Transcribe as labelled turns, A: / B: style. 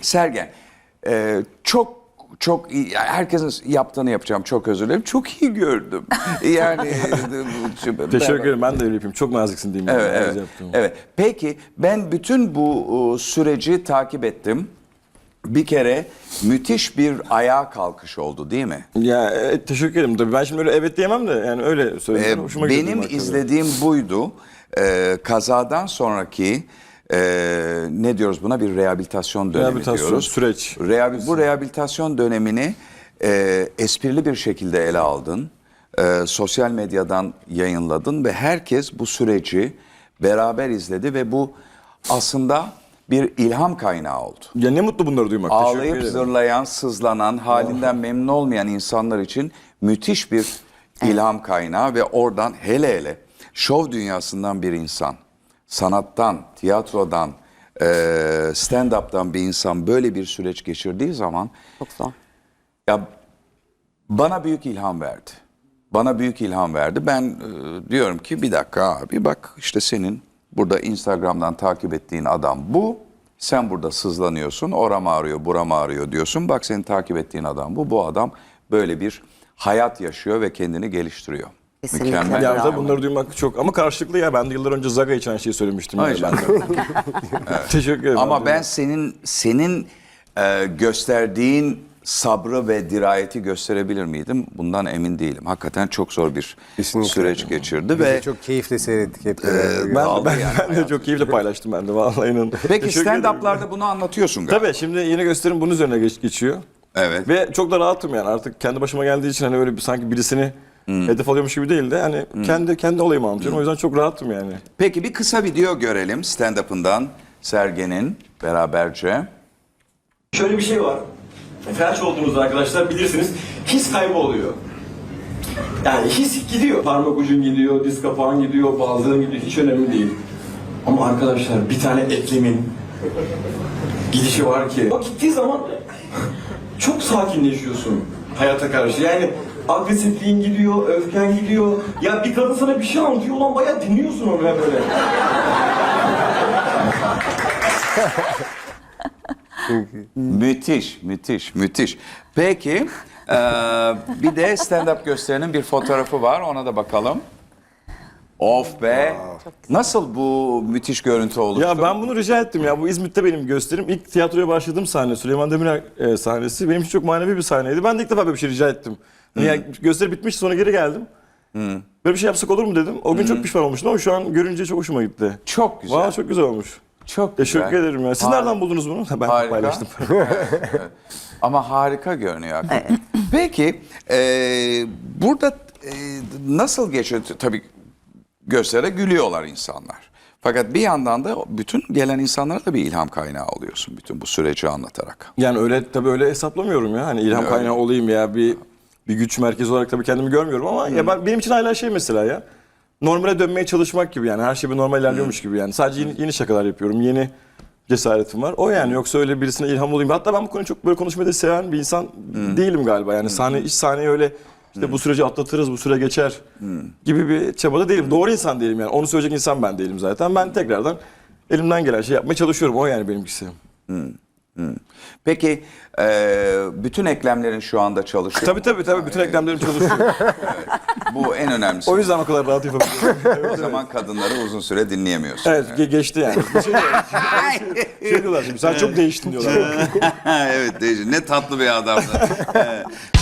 A: Sergen, çok iyi, herkesin yaptığını yapacağım, çok özür dilerim. Çok iyi gördüm. Yani
B: Teşekkür ederim. Ben de öyle yapayım. Çok naziksin diyeyim.
A: Evet, evet. Peki ben bütün bu süreci takip ettim. Bir kere müthiş bir ayağa kalkış oldu değil mi?
B: Ya teşekkür ederim. Tabii ben şimdi öyle evet diyemem de yani öyle söyleyeyim. Hoşuma gidiyor
A: Benim
B: duymak
A: izlediğim buydu. Kazadan sonraki ne diyoruz buna, bir rehabilitasyon dönemi
B: Rehabilitasyon,
A: diyoruz.
B: süreç.
A: Bu rehabilitasyon dönemini esprili bir şekilde ele aldın. Sosyal medyadan yayınladın ve herkes bu süreci beraber izledi ve bu aslında bir ilham kaynağı oldu.
B: Ya ne mutlu bunları duymak. Teşekkür
A: Ağlayıp
B: ederim.
A: zırlayan, sızlanan, halinden memnun olmayan insanlar için müthiş bir ilham kaynağı ve oradan hele hele şov dünyasından bir insan, sanattan, tiyatrodan, stand-up'tan bir insan böyle bir süreç geçirdiği zaman
C: Çok zor.
A: ya bana büyük ilham verdi. Bana büyük ilham verdi. Ben diyorum ki bir dakika abi, bak işte senin burada Instagram'dan takip ettiğin adam bu. Sen burada sızlanıyorsun. Oram ağrıyor, buram ağrıyor diyorsun. Bak senin takip ettiğin adam bu. Bu adam böyle bir hayat yaşıyor ve kendini geliştiriyor.
C: Kesinlikle.
A: Mükemmel.
B: Ya
C: Bravo.
B: bunları duymak çok ama karşılıklı ya. Ben de yıllar önce Zaga için aynı şeyi söylemiştim.
A: Hayır
B: Yani ben de. Teşekkür ederim.
A: Ama ben senin gösterdiğin sabrı ve dirayeti gösterebilir miydim? Bundan emin değilim. Hakikaten çok zor bir
D: Kesinlikle.
A: süreç geçirdi
D: Biz de
A: ve
D: çok keyifle seyrettik hep.
B: Ben de çok keyifle paylaştım ben de vallahi inanın.
A: Peki
B: Teşekkür ederim.
A: stand-up'larda bunu anlatıyorsun galiba.
B: Tabii şimdi yeni gösterim bunun üzerine geçiyor.
A: Evet.
B: Ve çok da rahatım yani artık kendi başıma geldiği için hani öyle bir, sanki birisini hedef alıyormuş gibi değil de hani kendi olayımı anlatıyorum. O yüzden çok rahatım yani.
A: Peki bir kısa video görelim stand-up'ından Sergen'in beraberce.
E: Şöyle bir şey var. Felç olduğunuzda arkadaşlar bilirsiniz, his kaybı oluyor. Yani his gidiyor. Parmak ucun gidiyor, diz kapağın gidiyor, baldığın gidiyor. Hiç önemli değil. Ama arkadaşlar bir tane eklemin gidişi var ki. O gittiği zaman çok sakinleşiyorsun hayata karşı. Yani agresifliğin gidiyor, öfken gidiyor. Ya bir kadın sana bir şey anlatıyor, ulan bayağı dinliyorsun onu ya böyle.
A: Müthiş, müthiş, müthiş. Peki bir de stand-up gösterinin bir fotoğrafı var, ona da bakalım. Of be! Nasıl bu müthiş görüntü oluştu?
B: Ya ben bunu rica ettim ya. Bu İzmit'te benim gösterim. İlk tiyatroya başladığım sahne Süleyman Demirel sahnesi. Benim için çok manevi bir sahneydi. Ben de ilk defa böyle bir şey rica ettim. Yani gösteri bitmiş sonra geri geldim. Böyle bir şey yapsak olur mu dedim. O gün çok pişman olmuştum ama şu an görünce çok hoşuma gitti.
A: Çok güzel.
B: Valla çok güzel olmuş.
A: Çok güzel.
B: Teşekkür ederim ya. Siz nereden buldunuz bunu? Ben
A: Harika.
B: paylaştım.
A: Evet. Ama harika görünüyor hakikaten. Peki burada nasıl geçiyor? Tabii gösteride gülüyorlar insanlar. Fakat bir yandan da bütün gelen insanlara da bir ilham kaynağı oluyorsun bütün bu süreci anlatarak.
B: Yani öyle tabii öyle hesaplamıyorum ya. Hani ilham kaynağı olayım ya bir güç merkezi olarak tabii kendimi görmüyorum ama ya benim için hala şey mesela ya. Normale dönmeye çalışmak gibi yani her şey bir normal ilerliyormuş gibi yani. Sadece yeni şakalar yapıyorum. Yeni cesaretim var. O yani yoksa öyle birisine ilham olayım. Hatta ben bu konuyu çok böyle konuşmayı da seven bir insan değilim galiba. Yani iç sahneyi öyle işte bu süreci atlatırız, bu süre geçer gibi bir çabada değilim. Doğru insan değilim yani. Onu söyleyecek insan ben değilim zaten. Ben tekrardan elimden gelen şey yapmaya çalışıyorum. O yani benimkisi.
A: Peki bütün eklemlerin şu anda çalışıyor.
B: Tabii bütün eklemlerim çalışıyor.
A: Bu en önemlisi.
B: O yüzden o kadar rahat yapabiliyorum.
A: O zaman kadınları uzun süre dinleyemiyorsun.
B: Evet geçti yani. Şey diyorlar şimdi sen çok değiştin diyorlar.
A: Evet, ne tatlı bir adamdı.